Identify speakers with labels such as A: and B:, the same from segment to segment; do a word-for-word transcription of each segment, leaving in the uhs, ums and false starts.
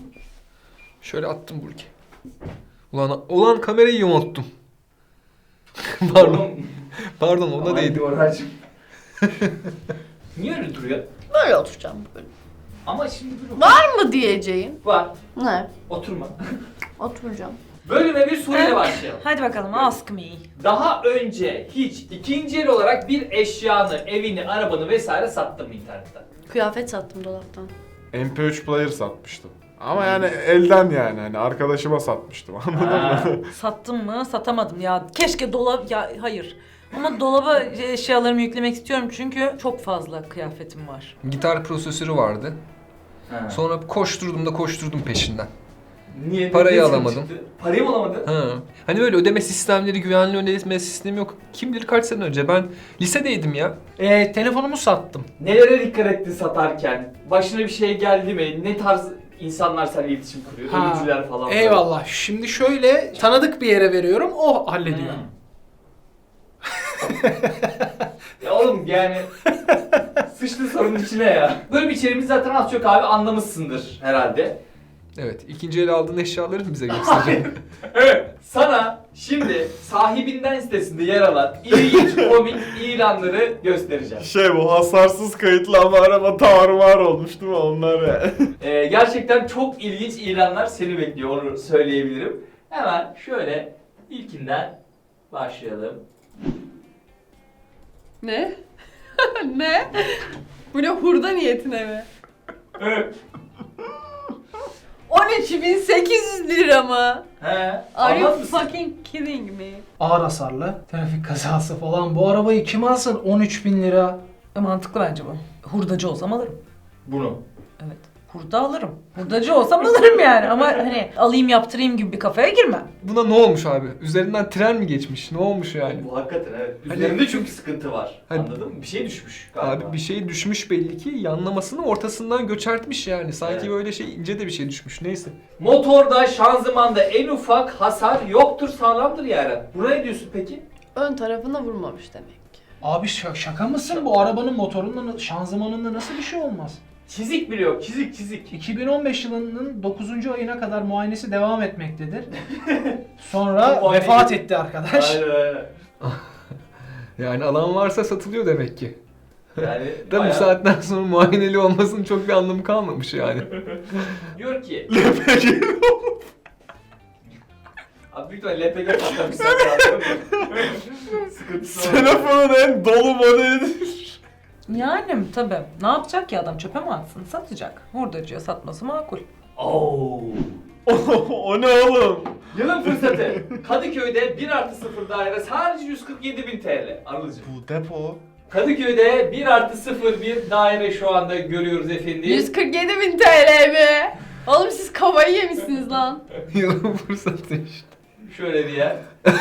A: Şöyle attım Burki. Ulan, ulan kamerayı yamulttum. Pardon. Pardon ona
B: Aman
A: değdi.
B: Orhancığım. Niye öyle duruyor?
C: Böyle oturacağım böyle.
B: Ama şimdi dur.
C: Var mı diyeceğin?
B: Var.
C: Ne?
B: Oturma.
C: Oturacağım.
B: Bölüme bir soruyla başlayalım.
D: Hadi bakalım, ask me.
B: Daha önce hiç ikinci el olarak bir eşyanı, evini, arabanı vesaire sattın mı internetten?
C: Kıyafet sattım dolaptan.
E: M P üç player satmıştım. Ama yani elden yani hani arkadaşıma satmıştım anladın
B: Ha.
E: mı?
D: Sattım mı? Satamadım ya. Keşke dolap... Ya hayır. Ama dolaba eşyalarımı yüklemek istiyorum çünkü çok fazla kıyafetim var.
A: Gitar prosesörü vardı.
B: Ha.
A: Sonra koşturdum da koşturdum peşinden.
B: Niye?
A: Parayı
B: Ne sıkıntı
A: alamadım.
B: çıktı? Parayı mı alamadın?
A: Ha. Hani böyle ödeme sistemleri, güvenli ödeme sistemi yok. Kim bilir kaç sene önce. Ben lisedeydim ya.
F: Ee, telefonumu sattım.
B: Nelere dikkat ettin satarken? Başına bir şey geldi mi? Ne tarz insanlar seninle iletişim kuruyor?
F: Ha,
B: Ölücüler falan. böyle.
F: Eyvallah. Şimdi şöyle tanıdık bir yere veriyorum, o hallediyor.
B: Hmm. Ya oğlum yani sıçtı sorunun içine ya. Böyle bir içeriğimiz zaten az çok abi anlamışsındır herhalde.
A: Evet. ikinci el aldığın eşyaları mı bize göstereceğim?
B: Evet. Sana şimdi sahibinden sitesinde yer alan ilginç komik ilanları göstereceğim.
E: Şey bu hasarsız kayıtlı ama araba tarumar olmuş değil mi onlar ya?
B: Ee, gerçekten çok ilginç ilanlar seni bekliyor, onu söyleyebilirim. Hemen şöyle ilkinden başlayalım.
C: Ne? Ne? Bu ne, hurda niyetine mi?
B: Evet.
C: on üç bin sekiz yüz lira mı?
B: He.
C: Are you
B: Anlat mısın?
C: fucking kidding me?
F: Ağır hasarlı, trafik kazası falan. Bu arabayı kim alsın? on üç bin lira.
D: E, mantıklı bence bu. Hurdacı olsam alırım.
B: Bunu.
D: Evet. Hurda alırım. Hurdacı olsam alırım yani ama hani alayım yaptırayım gibi bir kafaya girmem.
A: Buna ne olmuş abi? Üzerinden tren mi geçmiş? Ne olmuş yani?
B: Bu hakikaten evet.
A: Hani-
B: Üzerinde çünkü sıkıntı var.
A: Hani-
B: Anladın mı? Bir şey düşmüş galiba.
A: Abi bir şey düşmüş belli ki, yanlamasını ortasından göçertmiş yani. Sanki
B: Evet.
A: böyle şey ince de bir şey düşmüş. Neyse.
B: Motorda, şanzımanda en ufak hasar yoktur, sağlamdır yani. Buna ne diyorsun peki?
C: Ön tarafına vurmamış demek ki.
F: Abi ş- şaka mısın? Bu arabanın motorunda, şanzımanında nasıl bir şey olmaz?
B: Çizik bile yok, çizik çizik.
F: iki bin on beş yılının dokuzuncu ayına kadar muayenesi devam etmektedir. Sonra
B: Bu muayene-
F: vefat etti arkadaş.
B: Aynen aynen.
A: Yani alan varsa satılıyor demek ki.
B: Yani
A: Da bu
B: bayağı-
A: saatten sonra muayeneli olmasının çok bir anlamı kalmamış yani.
B: Diyor ki... Abi büyük ihtimalle L P G patlamış zaten. Sıkıntısı var.
E: Telefonun en dolu modelidir.
D: Yani tabii. Ne yapacak ki adam? Çöpe mi atsın? Satacak. Hurdacıya satması makul.
B: Oo.
E: O ne oğlum?
B: Yılın fırsatı. Kadıköy'de bir artı sıfır daire sadece yüz kırk yedi bin T L. Anılcım.
E: Bu depo.
B: Kadıköy'de bir artı sıfır bir daire şu anda görüyoruz efendim.
C: yüz kırk yedi bin T L mi? Oğlum siz kafayı yemişsiniz lan.
A: Yılın fırsatı işte.
B: Şöyle bir yer.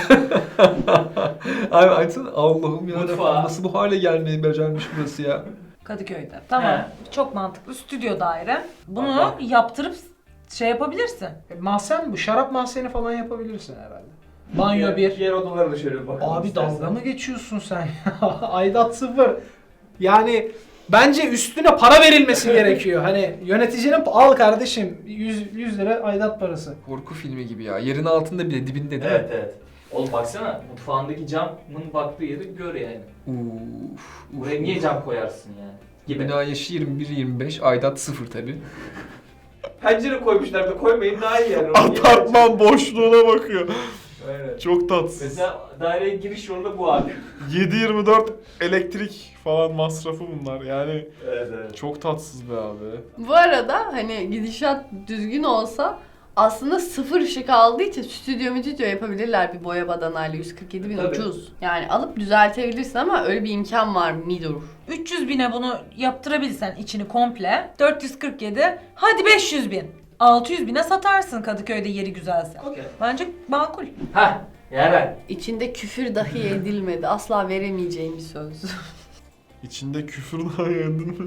A: Abi açsana, Allah'ım ya.
B: Mutfağı.
A: Nasıl bu hale gelmeyi becermiş burası ya.
D: Kadıköy'de. Tamam. Çok mantıklı. Stüdyo daire. Bunu
B: Bak,
D: yaptırıp şey yapabilirsin.
F: E, mahzen bu. Şarap mahzeni falan yapabilirsin herhalde. Banyo bir.
B: Yer odalarına şöyle bir bakalım
F: Abi
B: istersen.
F: dalga mı geçiyorsun sen ya? Aidat sıfır. Yani bence üstüne para verilmesi gerekiyor. Hani yöneticinin al kardeşim yüz lira aidat parası.
A: Korku filmi gibi ya. Yerin altında bile, dibinde değil
B: Evet
A: mi?
B: evet. Oğlum baksana mutfağındaki camın baktığı yeri gör yani.
A: Uf.
B: Buraya niye cam koyarsın yani? Gibi.
A: Bina yaşı yirmi bir yirmi beş, aidat sıfır tabi.
B: Pencere koymuşlar da koymayın daha iyi yani.
E: Apartman boşluğuna bakıyor.
B: Aynen.
E: Çok tatsız.
B: Mesela daireye giriş yolu bu abi.
E: yedi yirmi dört elektrik falan masrafı bunlar yani.
B: Evet evet.
E: Çok tatsız be abi.
C: Bu arada hani gidişat düzgün olsa aslında sıfır ışık aldığı için stüdyo müdüdyo yapabilirler bir boya badanayla. Yüz kırk yedi bin
B: Tabii.
C: ucuz. Yani alıp düzeltebilirsin ama öyle bir imkan var midur?
D: üç yüz bine bunu yaptırabilsen içini komple. dört yüz kırk yedi. Hadi beş yüz bin. altı yüz bine satarsın Kadıköy'de yeri güzelse.
B: Okey.
D: Bence makul.
B: Heh. Yaren.
C: İçinde küfür dahi edilmedi. Asla veremeyeceğim bir söz.
E: İçinde küfür daha yendin mi?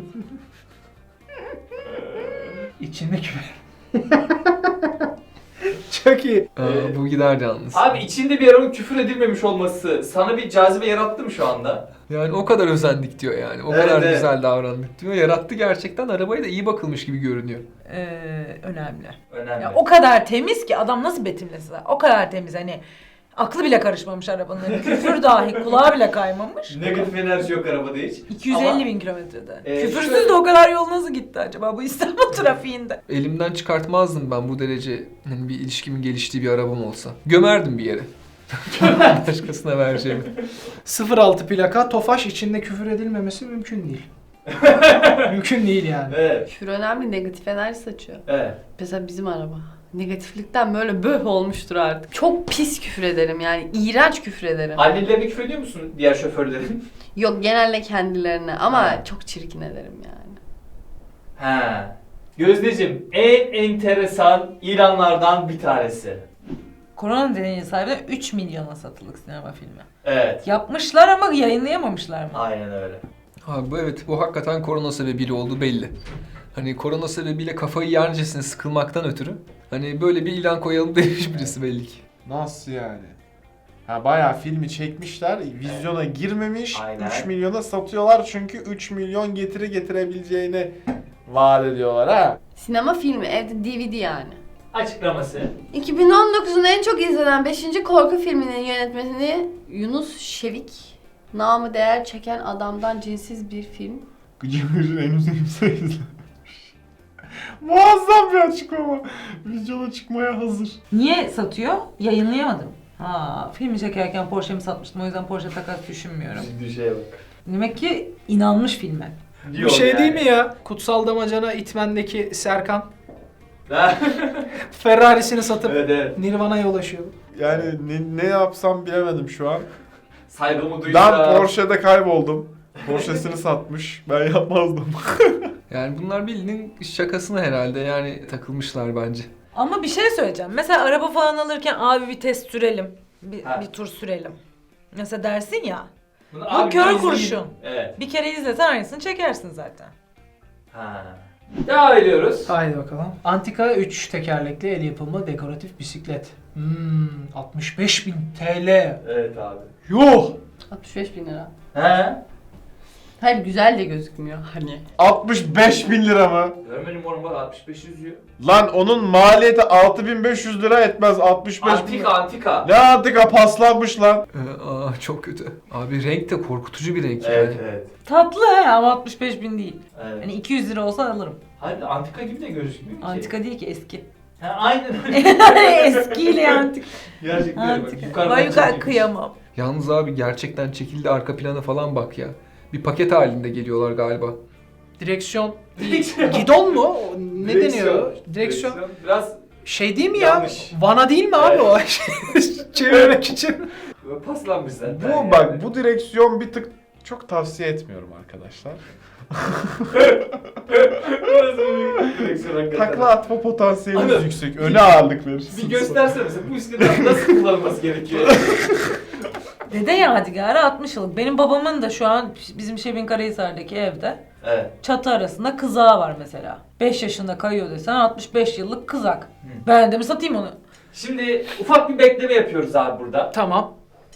F: İçinde küfür. Çok iyi.
A: Aa,
B: Ee,
A: bu gider yalnız.
B: Abi içinde bir arabanın küfür edilmemiş olması sana bir cazibe yarattı mı şu anda?
A: Yani o kadar özendik diyor yani. O
B: Evet,
A: kadar
B: evet.
A: güzel davrandık diyor. Yarattı gerçekten. Arabaya da iyi bakılmış gibi görünüyor.
D: Ee, önemli.
B: Önemli.
D: Ya o kadar temiz ki adam nasıl betimlesin? O kadar temiz hani aklı bile karışmamış arabanın. Hani küfür dahi kulağa bile kaymamış.
B: Negatif enerji yok arabada hiç.
D: iki yüz elli
B: Ama-
D: bin kilometrede.
B: Ee,
D: Küfürsüz
B: şöyle-
D: de o kadar yol nasıl gitti acaba bu İstanbul trafiğinde?
A: Elimden çıkartmazdım ben bu derece hani bir ilişkimin geliştiği bir arabam olsa. Gömerdim bir yere. Başkasına vereceğimi.
F: sıfır altı plaka Tofaş, içinde küfür edilmemesi mümkün değil. Mümkün değil yani.
B: Evet.
C: Küfür önemli, negatif enerji saçıyor.
B: Evet.
C: Mesela bizim araba. Negatiflikten böyle böh olmuştur artık. Çok pis küfür ederim yani. İğrenç küfür ederim.
B: Annelerine küfür ediyor musun diğer şoförlerin?
C: Yok, genelde kendilerine ama
B: Ha.
C: çok çirkin ederim yani.
B: Ha. Gözdeciğim, en enteresan ilanlardan bir tanesi.
D: Korona nedeniyle sahibine üç milyona satılık sinema filmi.
B: Evet.
D: Yapmışlar ama yayınlayamamışlar mı?
B: Aynen öyle.
A: Abi bu evet bu hakikaten korona sebebiyle oldu belli. Hani korona sebebiyle kafayı yercesine sıkılmaktan ötürü hani böyle bir ilan koyalım demiş birisi belli ki.
E: Nasıl yani? Ha bayağı filmi çekmişler, vizyona girmemiş,
B: Aynen.
E: üç milyona satıyorlar çünkü üç milyon getiri getirebileceğini vaat ediyorlar ha.
C: Sinema filmi, evde D V D yani.
B: Açıklaması.
C: iki bin on dokuzun en çok izlenen beşinci korku filminin yönetmeni Yunus Şevik. Namı değer çeken adamdan cinsiz bir film.
E: Gıcır gıcır en uzun sayısı. Muazzam bir açıklama. Vizyona çıkmaya hazır.
D: Niye satıyor? Yayınlayamadım. Ha, filmi çekerken Porsche'mi satmıştım o yüzden Porsche takas düşünmüyorum.
B: Bir şeye bak.
D: Demek ki inanmış filme.
F: Bir şey değil mi ya? Kutsal Damacana İtmen'deki Serkan
B: Ha?
F: Ferrari'sini satıp
B: Evet evet.
F: Nirvana'ya ulaşıyor.
E: Yani ne, ne yapsam bilemedim şu an.
B: Saygımı duydum.
E: Ben Porsche'de kayboldum. Porsche'sini satmış. Ben yapmazdım.
A: Yani bunlar bildiğin şakasına herhalde yani takılmışlar bence.
D: Ama bir şey söyleyeceğim. Mesela araba falan alırken abi bir test sürelim. Bir,
B: Ha.
D: bir tur sürelim. Mesela dersin ya.
B: Bunu
D: Bu
B: abi
D: kör
B: izleyin.
D: kurşun.
B: Evet.
D: Bir kere izlesen aynısını çekersin zaten.
B: Ha. Devam ediyoruz.
F: Haydi bakalım. Antika üç tekerlekli el yapımı dekoratif bisiklet. Hmm, altmış beş bin T L.
B: Evet abi.
F: Yuh!
C: altmış beş bin lira.
B: He?
C: Hayır, güzel de gözükmüyor hani.
E: altmış beş bin lira mı?
B: Görmedim oğlum bak altmış beş yüzüyor.
E: Lan onun maliyeti altı bin beş yüz lira etmez. altmış beş bin
B: Antika antika.
E: Ne antika paslanmış lan.
A: Ee, aa, çok kötü. Abi renk de korkutucu bir renk
B: Evet
A: yani.
B: evet.
D: Tatlı he ama altmış beş bin değil.
B: Evet.
D: Hani iki yüz lira olsa alırım.
B: Hayır antika gibi de gözükmüyor ki.
D: Antika değil ki eski.
B: Ha, aynen öyle.
D: Eskiyle antika.
B: Gerçekten öyle bak.
D: Antika.
B: Yukarıdan
D: Ben yukarı
B: çekilmiş.
D: kıyamam.
A: Yalnız abi gerçekten çekildi arka plana falan bak ya. Bir paket halinde geliyorlar galiba.
F: Direksiyon.
B: Direksiyon.
F: Gidon mu? O Ne
B: Direksiyon.
F: deniyor? Direksiyon.
B: Biraz
F: Şey değil mi ya?
B: Yanlış.
F: Vana değil mi abi o? Çevirmek için.
B: böyle paslanmış zaten.
E: Bu
B: yani.
E: bak bu direksiyon bir tık çok tavsiye etmiyorum arkadaşlar.
B: Burası bir direksiyon hakikaten.
E: Takla atma potansiyeliniz
B: Anladım.
E: yüksek. Öne ağırlık verirsiniz.
B: Bir göstersene mesela bu bisikletin nasıl kullanılması gerekiyor?
D: Dede Yadigarı altmış yıllık. Benim babamın da şu an bizim Şebin Karahisar'daki evde
B: Evet.
D: çatı arasında kızağı var mesela. beş yaşında kayıyor desen altmış beş yıllık kızak. Ben de mi satayım onu?
B: Şimdi ufak bir bekleme yapıyoruz abi burada.
F: Tamam.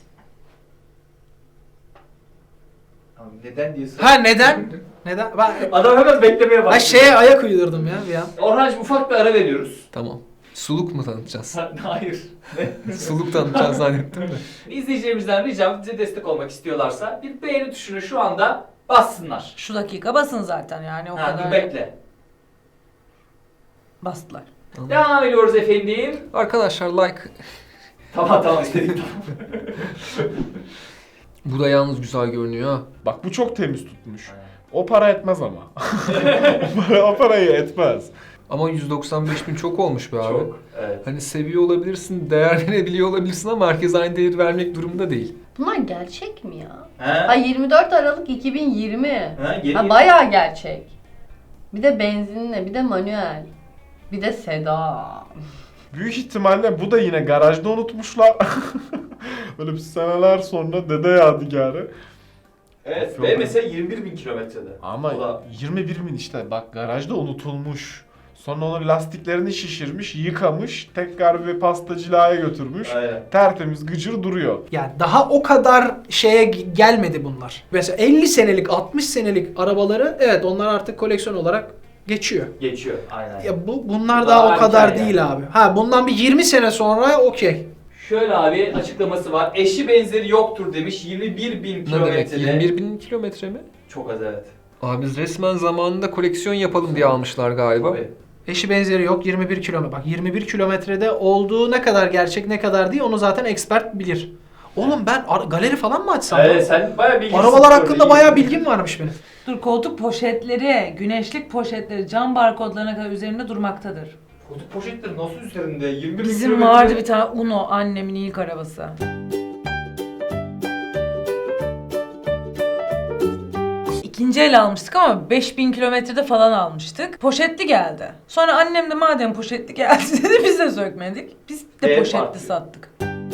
B: Abi neden diye sor.
F: Ha neden? Neden? Ben,
B: Adam hemen beklemeye başladı.
F: ben şeye ayak uydurdum ya bir an.
B: Orhancığım ufak bir ara veriyoruz.
A: Tamam. Suluk mu tanıtacağız?
B: Hayır.
A: Suluk tanıtacağız zannettim de.
B: İzleyicilerimizden ricam bize destek olmak istiyorlarsa bir beğeni tuşunu şu anda bassınlar.
D: Şu dakika basın zaten yani o
B: Ha,
D: kadar
B: dur bekle.
D: bastılar.
B: Devam ediyoruz efendim.
A: Arkadaşlar like.
B: Tamam tamam istedik tamam.
A: Bu da yalnız güzel görünüyor ha.
E: Bak bu çok temiz tutmuş. O para etmez ama. o, para, o parayı etmez.
A: Ama yüz doksan beş bin çok olmuş be abi.
B: Çok. Evet.
A: Hani seviyor olabilirsin, değer verebiliyor olabilirsin ama herkes aynı değeri vermek durumunda değil.
C: Bunlar gerçek mi ya?
B: He?
C: Ha, yirmi dört Aralık iki bin yirmi.
B: Ha, yeni
C: Ha, bayağı gerçek. Bir de benzinle, bir de manuel. Bir de sedan.
E: Büyük ihtimalle bu da yine garajda unutmuşlar. Böyle bir seneler sonra dede yadigarı.
B: Evet
E: Çok
B: ve
E: iyi.
B: mesela yirmi bir bin kilometrede.
E: Ama
B: O da-
E: yirmi bir bin işte bak garajda unutulmuş. Sonra onun lastiklerini şişirmiş, yıkamış, tekrar bir pastacılığa götürmüş.
B: Aynen.
E: Tertemiz gıcır duruyor.
F: Yani daha o kadar şeye g- gelmedi bunlar. Mesela elli senelik, altmış senelik arabaları evet onlar artık koleksiyon olarak geçiyor.
B: Geçiyor. Aynen.
F: Ya bu bunlar
B: Bu
F: daha,
B: daha
F: o kadar
B: erken
F: değil
B: yani.
F: abi. Ha bundan bir yirmi sene sonra okey.
B: Şöyle abi açıklaması var. Eşi benzeri yoktur demiş. yirmi bir bin
A: Ne demek?
B: kilometrede.
A: yirmi bir bin kilometre mi?
B: Çok az evet.
A: Abi biz resmen zamanında koleksiyon yapalım diye almışlar galiba.
B: Tabii.
F: Eşi benzeri yok yirmi bir kilometre. Bak yirmi bir kilometrede olduğu ne kadar gerçek ne kadar değil onu zaten expert bilir. Oğlum ben ar- galeri falan mı açsam?
B: Evet
F: lan?
B: sen bayağı bilgilisin.
F: Arabalar
B: bu
F: hakkında
B: arada.
F: bayağı bilgim varmış benim.
D: Dur koltuk poşetleri, güneşlik poşetleri cam barkodlarına kadar üzerinde durmaktadır.
B: Koltuk poşetleri nasıl üzerinde? yirmi bir
D: Bizim
B: kilometre-
D: vardı bir tane Uno annemin ilk arabası. İkinci el almıştık ama beş bin kilometrede falan almıştık. Poşetli geldi. Sonra annem de madem poşetli geldi dedi biz de sökmedik. Biz de
B: Ev
D: poşetli
B: farklı.
D: sattık.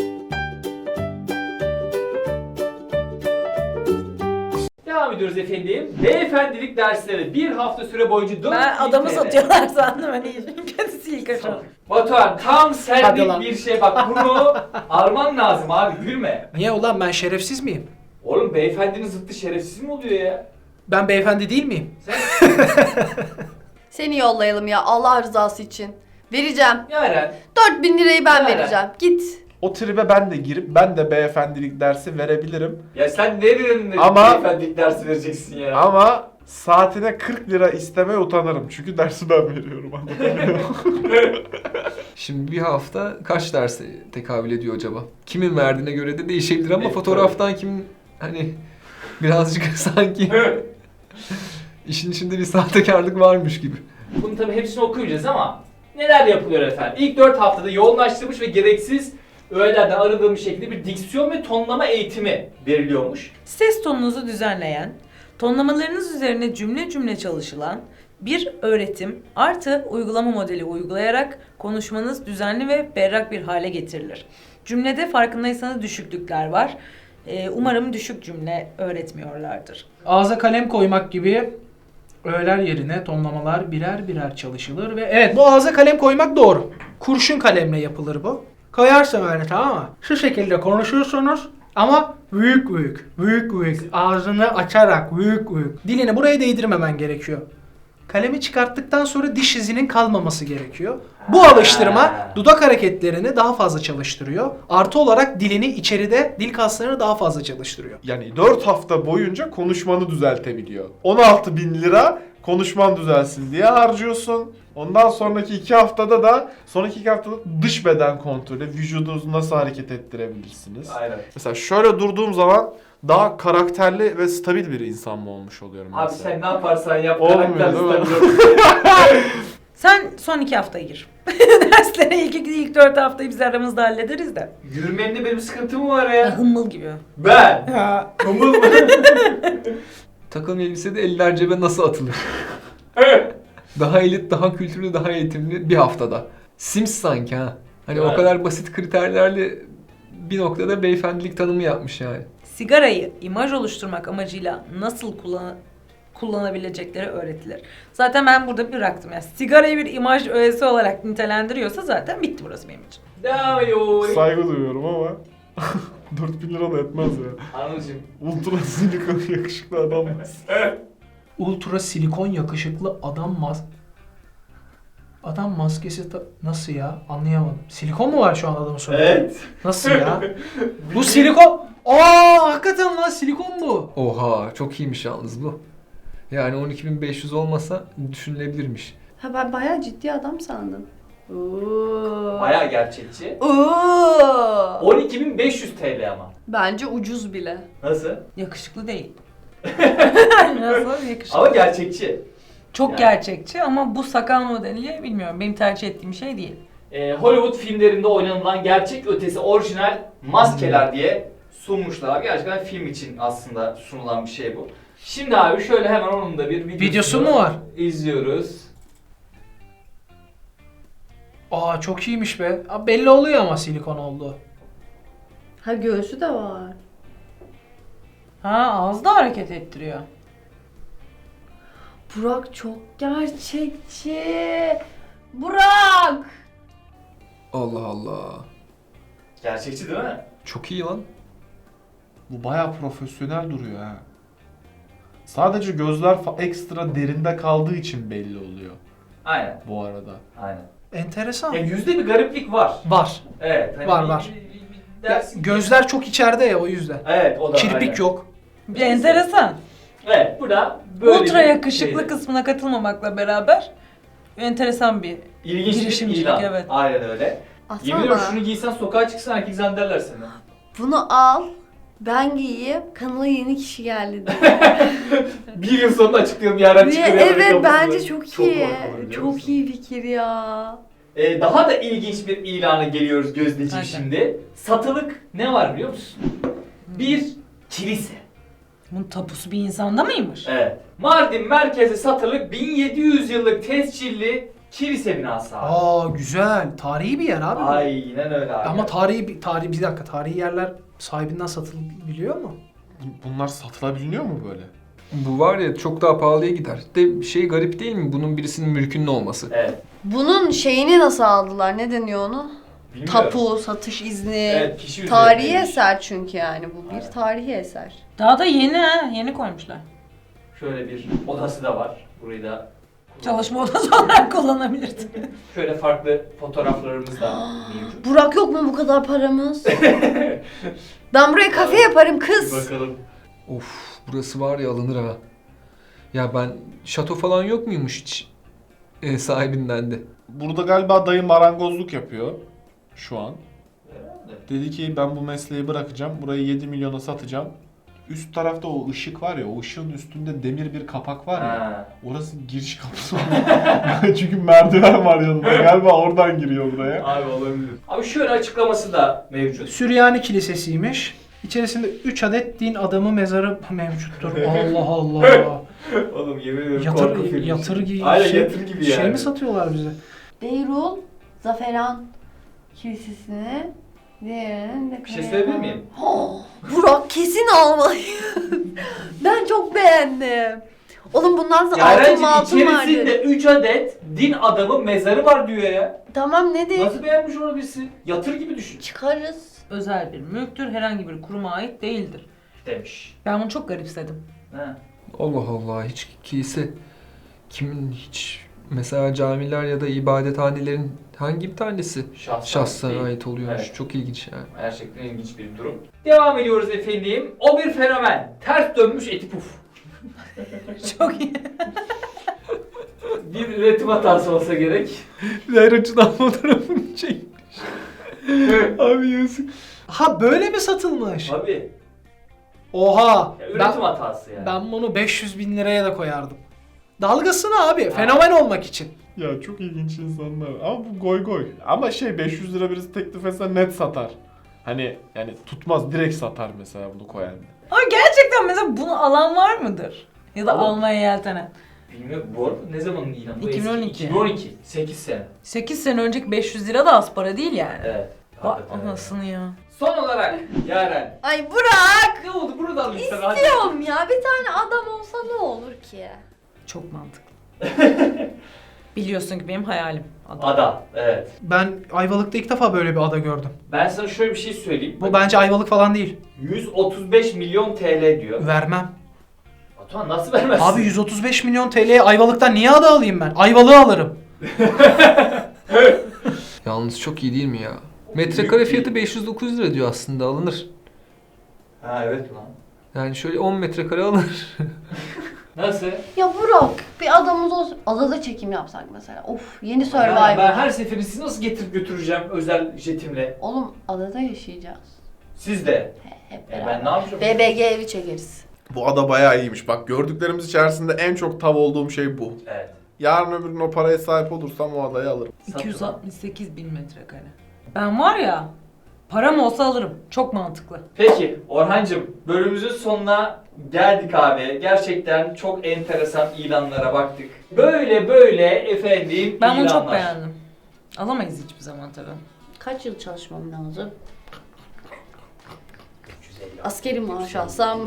B: Devam ediyoruz efendim. Beyefendilik dersleri bir hafta süre boyunca dört
D: Ben adamı satıyorlar sandım hani kendisi ilk aşağı.
B: Batuhan tam
F: Hadi
B: senlik
F: lan.
B: bir şey bak bunu arman lazım abi gülme.
F: Niye ulan ben şerefsiz miyim?
B: Oğlum beyefendinin zıttı şerefsiz mi oluyor ya?
F: Ben beyefendi değil miyim?
C: Seni yollayalım ya Allah rızası için. Vereceğim.
B: Yaren
C: dört bin lirayı ben
B: Nerede?
C: vereceğim. Git.
E: O tribe ben de girip ben de beyefendilik dersi verebilirim.
B: ya sen nerenin
E: Ama-
B: beyefendilik dersi vereceksin ya?
E: Ama saatine kırk lira istemeye utanırım. Çünkü dersi ben veriyorum. anladın mı?
A: Şimdi bir hafta kaç derse tekabül ediyor acaba? Kimin verdiğine göre de değişebilir ama
B: Evet,
A: fotoğraftan kimin hani birazcık sanki işin içinde bir sahtekarlık varmış gibi.
B: Bunu tabii hepsini okuyacağız ama neler yapılıyor efendim? İlk dört haftada yoğunlaştırılmış ve gereksiz öğelerden arındırılmış şekilde bir diksiyon ve tonlama eğitimi veriliyormuş.
D: Ses tonunuzu düzenleyen, tonlamalarınız üzerine cümle cümle çalışılan bir öğretim artı uygulama modeli uygulayarak konuşmanız düzenli ve berrak bir hale getirilir. Cümlede farkındaysanız düşüklükler var. Ee, umarım düşük cümle öğretmiyorlardır.
F: Ağza kalem koymak gibi öğeler yerine tonlamalar birer birer çalışılır ve evet bu ağza kalem koymak doğru. Kurşun kalemle yapılır bu. Koyarsın öyle tamam mı? Şu şekilde konuşuyorsunuz ama büyük büyük, büyük büyük ağzını açarak büyük büyük. Dilini buraya değdirmemen gerekiyor. Kalemi çıkarttıktan sonra diş izinin kalmaması gerekiyor. Bu alıştırma dudak hareketlerini daha fazla çalıştırıyor. Artı olarak dilini içeride, dil kaslarını daha fazla çalıştırıyor.
E: Yani dört hafta boyunca konuşmanı düzeltebiliyor. on altı bin lira konuşman düzelsin diye harcıyorsun. Ondan sonraki iki haftada da sonraki iki haftada dış beden kontrolü, vücudunuzu nasıl hareket ettirebilirsiniz?
B: Aynen.
E: Mesela şöyle durduğum zaman daha karakterli ve stabil bir insan mı olmuş oluyorum
B: Abi
E: mesela?
B: sen ne yaparsan yap.
E: Olmuyor,
B: karakter
E: değil mi?
B: stabil.
D: Sen son iki hafta gir. Derslere ilk, ilk dört haftayı biz aramızda hallederiz de.
B: Yürümemde benim sıkıntım var
D: Ya,
B: ya.
D: hımmıl gibi.
B: Ben. Kumul mu?
A: Takım elbisede eller cebe nasıl atılır? Daha elit, daha kültürlü, daha eğitimli bir haftada. Sims sanki ha. Hani
B: Evet.
A: o kadar basit kriterlerle bir noktada beyefendilik tanımı yapmış yani.
D: Sigarayı imaj oluşturmak amacıyla nasıl kullan kullanabilecekleri öğretilir. Zaten ben burada bıraktım. Yani sigarayı bir imaj öğesi olarak nitelendiriyorsa zaten bitti burası benim için.
B: Devam ediyor.
E: Saygı duyuyorum ama dört bin lira da etmez ya.
B: Anılcım.
E: Ultra silikon yakışıklı adam.
F: Ultra silikon yakışıklı adam mas... Adam maskesi ta- nasıl ya? Anlayamadım. Silikon mu var şu an adamın sonunda?
B: Evet.
F: Nasıl ya? Bu silikon... Aa hakikaten lan silikon bu.
A: Oha çok iyiymiş yalnız bu. Yani on iki bin beş yüz olmasa düşünülebilirmiş.
C: Ha ben bayağı ciddi adam sandım. Oo.
B: Bayağı gerçekçi.
C: Oo.
B: on iki bin beş yüz T L ama.
C: Bence ucuz bile.
B: Nasıl?
D: Yakışıklı değil. Nasıl yakışıklı?
B: Ama gerçekçi.
D: Çok
B: Yani.
D: gerçekçi ama bu sakal modeli bilmiyorum. Benim tercih ettiğim şey değil.
B: Ee, Hollywood filmlerinde oynanılan gerçek ötesi orijinal maskeler diye sunmuşlar. Gerçekten film için aslında sunulan bir şey bu. Şimdi abi şöyle hemen onun da bir videosunu
F: Videosu mu var?
B: izliyoruz.
F: Aa çok iyiymiş be. Aa, belli oluyor ama silikon oldu.
C: Ha göğsü de var.
D: Ha ağızda hareket ettiriyor.
C: Burak çok gerçekçi. Burak!
A: Allah Allah.
B: Gerçekçi değil mi?
A: Çok iyi lan.
E: Bu bayağı profesyonel duruyor ha. Sadece gözler fa- ekstra derinde kaldığı için belli oluyor
B: Aynen.
E: bu arada.
B: Aynen.
F: Enteresan.
B: Ya yüzde bir gariplik var.
F: Var.
B: Evet. Hani
F: Var,
B: bir-
F: var.
B: bir- bir- bir
F: Ya,
B: dersin ki-
F: gözler çok içeride ya o yüzden.
B: Evet o da
F: Kirpik
B: aynen.
F: yok.
D: Bir enteresan.
B: Evet bu da böyle
D: Ultra
B: bir
D: yakışıklı
B: şeydi.
D: kısmına katılmamakla beraber enteresan bir
B: İlginç bir
D: girişimcilik,
B: ilan.
D: evet.
B: Aynen öyle. Yemin
C: Atsana
B: ediyorum
C: bana.
B: şunu giysen sokağa çıksan herkes zannederler seni.
C: Bunu al. Ben giyeyim. Kanala yeni kişi geldi diye.
B: Bir yıl sonra açıklayalım yarın
C: Niye?
B: çıkıyor.
C: Evet bence çok
B: Çok
C: iyi.
B: korkunç, biliyor
C: Çok
B: musun?
C: iyi fikir ya.
B: Ee, daha da ilginç bir ilana geliyoruz Gözdeciğim
D: Hadi.
B: şimdi. Satılık ne var biliyor musun? Bir kilise.
D: Bunun tapusu bir insanda mıymış?
B: Evet. Mardin merkezi satılık bin yedi yüz yıllık tescilli kilise binası abi.
F: Aa güzel. Tarihi bir yer abi. bu.
B: Aynen öyle abi.
F: Ama tarihi bir tarihi bir dakika. Tarihi yerler sahibinden satılabiliyor mu?
E: Bu- Bunlar satılabiliyor mu böyle?
A: Bu var ya çok daha pahalıya gider. De şey garip değil mi? Bunun birisinin mülkünün olması.
B: Evet.
C: Bunun şeyini nasıl aldılar? Ne deniyor onu?
B: Bilmiyorum.
C: Tapu, satış izni.
B: Evet, kişi
C: Tarihi
B: üzerindeymiş.
C: eser çünkü yani bu bir
B: Aynen.
C: tarihi eser.
D: Daha da yeni ha. Yeni koymuşlar.
B: Şöyle bir odası da var. Burayı da
D: Çalışma odası olarak kullanabilirsin.
B: Şöyle farklı fotoğraflarımız da mevcut.
C: Burak yok mu bu kadar paramız? Ben buraya kafe yaparım
B: Bir
C: kız.
B: bakalım.
A: Of burası var ya alınır ha. Ya ben şato falan yok muymuş hiç e, sahibinden de.
E: Burada galiba dayı marangozluk yapıyor şu an.
B: Herhalde.
E: Dedi ki ben bu mesleği bırakacağım. Burayı yedi milyona satacağım. Üst tarafta o ışık var ya, o ışığın üstünde demir bir kapak var ya.
B: Ha.
E: Orası giriş kapısı. Çünkü merdiven var yanında. Galiba oradan giriyor buraya.
B: Abi olabilir. Abi şöyle açıklaması da mevcut.
F: Süryani Kilisesi'ymiş. İçerisinde üç adet din adamı mezarı mevcuttur. Allah Allah.
B: Oğlum yemin ediyorum
F: Yatır,
B: korku filmi.
F: yatır gibi
B: Aynen
F: şey,
B: yatır gibi
F: şey
B: yani.
F: mi satıyorlar bize?
C: Beyrul Zaferan Kilisesi'ne diğerinin de
B: Bir şey söyleyebilir miyim?
C: Oh, Burak kesin almalıyım. Ben çok beğendim. Oğlum bundan sonra altın
B: Yarencim
C: mı altın
B: içerisinde
C: vardı.
B: üç adet din adamı mezarı var diyor ya.
C: Tamam ne de
B: Nasıl beğenmiş olabilirsin? Yatır gibi düşün.
C: çıkarız.
D: Özel bir mülktür. Herhangi bir kuruma ait değildir.
B: Demiş.
D: Ben bunu çok garipsedim.
B: Ha.
A: Allah Allah hiç kilise kimin hiç mesela camiler ya da ibadethanelerin hangi bir tanesi
B: Şahsına,
A: şahsına
B: değil.
A: ait oluyormuş.
B: Evet.
A: Çok ilginç yani.
B: Gerçekten ilginç bir durum. Devam ediyoruz efendim. O bir fenomen. Ters dönmüş eti puf.
D: Çok iyi.
B: Bir üretim hatası olsa gerek.
A: Her açıdan fotoğrafını çekmiş. Abi yazık.
F: Ha böyle mi satılmış?
B: Abi.
F: Oha.
B: Ya, üretim
F: Ben,
B: hatası yani.
F: ben bunu beş yüz bin liraya da koyardım. Dalgasını abi. Fenomen olmak için.
E: Ya çok ilginç insanlar. Ama bu goy goy. Ama şey beş yüz lira birisi teklif etse net satar. Hani yani tutmaz direkt satar mesela bunu koyan.
D: Ama gerçekten mesela bunu alan var mıdır? Ya da
B: Alın.
D: almaya yeltenen.
B: Bilmiyorum bu arada ne zamanın ilanı? Bu
D: iki bin on
B: eski.
D: iki.
B: iki bin on iki. sekiz sene.
D: sekiz sene önceki beş yüz lira da az para değil yani.
B: Evet.
D: Vay
B: Hakikaten öyle.
D: anasını ya.
B: Son olarak Yaren.
C: Ay Burak!
B: Ne oldu buradan lütfen hadi.
C: İstiyorum ya. Bir tane adam olsa ne olur ki?
D: Çok mantıklı. Biliyorsun ki benim hayalim. Adam.
B: Ada. Evet.
F: Ben Ayvalık'ta ilk defa böyle bir ada gördüm.
B: Ben sana şöyle bir şey söyleyeyim.
F: Bu bence Ayvalık falan değil.
B: yüz otuz beş milyon T L diyor.
F: Vermem.
B: Batuhan nasıl vermezsin?
F: Abi yüz otuz beş milyon T L'ye Ayvalık'tan niye ada alayım ben? Ayvalık'ı alırım.
A: Yalnız çok iyi değil mi ya? Metrekare fiyatı beş yüz dokuz lira diyor aslında alınır.
B: Ha evet lan.
A: Yani şöyle on metrekare alınır.
B: Nasıl?
C: Ya Burak bir adamımız olsun. Adada çekim yapsak mesela. Of yeni
B: Ben,
C: Survivor.
B: ben her seferinde sizi nasıl getirip götüreceğim özel jetimle?
C: Oğlum adada yaşayacağız.
B: Siz de.
C: Hep
B: E
C: beraber.
B: ben ne yapacağım?
C: B B G evi çekeriz.
E: Bu ada bayağı iyiymiş. Bak gördüklerimiz içerisinde en çok tav olduğum şey bu.
B: Evet.
E: Yarın öbür gün o paraya sahip olursam o adayı alırım.
D: iki yüz altmış sekiz bin metrekare. Ben var ya, param olsa alırım. Çok mantıklı.
B: Peki Orhancığım bölümümüzün sonuna geldik abi. Gerçekten çok enteresan ilanlara baktık. Böyle böyle efendim
D: Ben bunu
B: ilanlar.
D: çok beğendim. Alamayız hiçbir zaman tabii.
C: Kaç yıl çalışmam lazım?
B: üç yüz elli.
C: Askeri maaş alsam.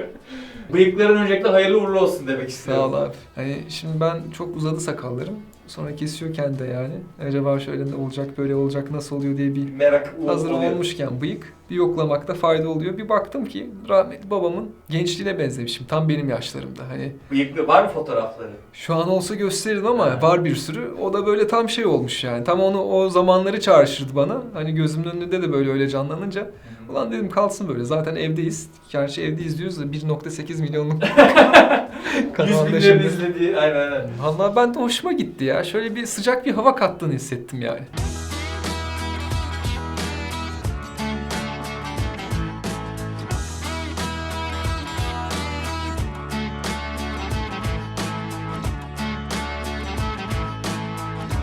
B: Bıyıkların öncelikle hayırlı uğurlu olsun demek
A: Sağ
B: istiyorum.
A: ol abi. Hani şimdi ben çok uzadı sakallarım. Sonra kesiyorken de yani acaba şöyle ne olacak, böyle olacak, nasıl oluyor diye bir
B: Merak
A: hazır
B: oluyor.
A: olmuşken bıyık bir yoklamakta fayda oluyor. Bir baktım ki rahmetli babamın gençliğine benzemişim. Tam benim yaşlarımda. Hani
B: Bıyıklı var mı fotoğrafları?
A: şu an olsa gösteririm ama var bir sürü. O da böyle tam şey olmuş yani. Tam onu o zamanları çağrıştırdı bana. Hani gözümün önünde de böyle öyle canlanınca. Ulan dedim kalsın böyle. Zaten evdeyiz. Gerçi evdeyiz diyoruz da bir nokta sekiz milyonluk
B: Yüz
A: kanalda
B: binlerin
A: şimdi.
B: izlediği aynen aynen.
A: Vallahi ben de hoşuma gitti ya. Şöyle bir sıcak bir hava kattığını hissettim yani.